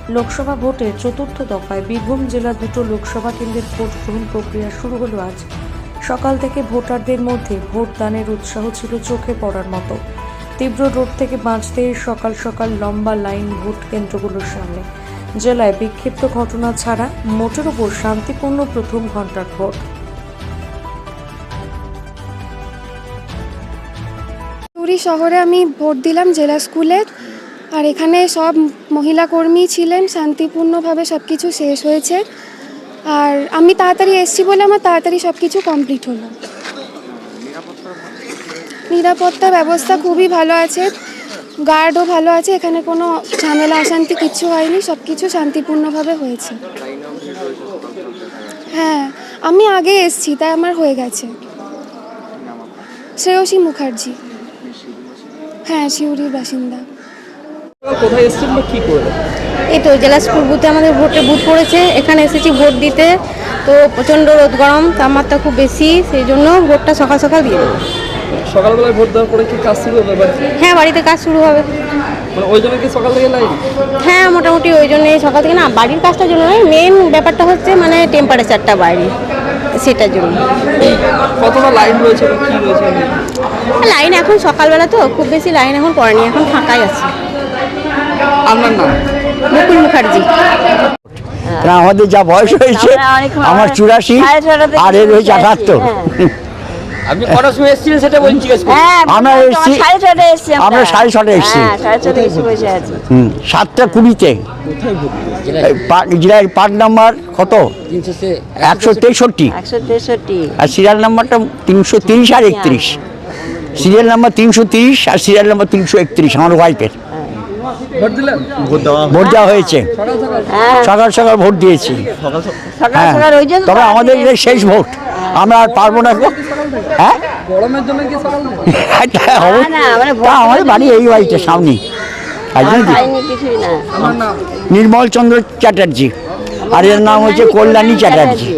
লোকসভা ভোটের চতুর্থ দফায় বীরভূম জেলার দুটো লোকসভা কেন্দ্রের ভোট গ্রহণ প্রক্রিয়া শুরু হলো আজ। সকাল থেকে ভোটারদের মধ্যে ভোট দানের উৎসাহ ছিল চোখে পড়ার মতো। তীব্র রোদ থেকে বাঁচতে সকাল সকাল লম্বা লাইন ভোট কেন্দ্রগুলোর সামনে। জেলায় বিক্ষিপ্ত ঘটনা ছাড়া মোটের উপর শান্তিপূর্ণ প্রথম ঘন্টার ভোট। পুরী শহরে আমি ভোট দিলাম জেলা স্কুলে, আর এখানে সব মহিলা কর্মী ছিলেন। শান্তিপূর্ণভাবে সব কিছু শেষ হয়েছে, আর আমি তাড়াতাড়ি এসেছি বলে আমার তাড়াতাড়ি সব কিছু কমপ্লিট হলো। নিরাপত্তা ব্যবস্থা খুবই ভালো আছে, গার্ডও ভালো আছে, এখানে কোনো ঝামেলা অশান্তি কিচ্ছু হয়নি, সব কিছু শান্তিপূর্ণভাবে হয়েছে। হ্যাঁ, আমি আগে এসেছি তাই আমার হয়ে গেছে। শ্রেয়সী মুখার্জি। হ্যাঁ, সিউড়ির বাসিন্দা। কোথায় এসেছেন বা কী করলেন? এই তো জেলা স্কুল বুথে আমাদের ভোটের বুথ পড়েছে, এখানে এসেছি ভোট দিতে। তো প্রচণ্ড রোদ গরম, তাপমাত্রা খুব বেশি, সেই জন্য ভোটটা সকাল সকাল দিয়ে দেবো। সকালবেলায় ভোট দেওয়ার পরে কি কাজ শুরু হবে বাড়িতে? হ্যাঁ, বাড়িতে কাজ শুরু হবে। মানে ওই জন্য কি সকাল থেকে লাইন? হ্যাঁ, মোটামুটি ওই জন্যই সকাল থেকে, না বাড়ির কাজটার জন্য নয়, মেন ব্যাপারটা হচ্ছে মানে টেম্পারেচারটা বাইরে, সেটার জন্য। কতটা লাইন রয়েছে বা কী রয়েছে? লাইন এখন সকালবেলা তো খুব বেশি লাইন এখন পড়েনি, এখন ফাঁকাই আছে। আপনার নাম? মুকুল মুখার্জি। আমাদের যা বয়স হয়েছে, আমার 84 আর এর হয়েছে 78। আপনি কটার সময় এসেছিলেন সেটা বলছি। আমরা এসেছি, আমরা 6:30 এসেছি। 7:20 জেলার পার্ট নাম্বার কত? 163। আর সিরিয়াল নাম্বারটা 330 আর 31। সিরিয়াল নাম্বার 330 আর সিরিয়াল নাম্বার 331 আমার ওয়াইফের। ভোট দিলেন? ভোট দেওয়া হয়েছে, সকাল সকাল ভোট দিয়েছি। হ্যাঁ, তবে আমাদের এটা শেষ ভোট, আমরা আর পারবো না। হ্যাঁ, গরমের জন্য কি সকাল? আমাদের বাড়ি এই বাড়িতে সামনে। নির্মল চন্দ্র চ্যাটার্জি, আর এর নাম হচ্ছে কল্যাণী চ্যাটার্জি।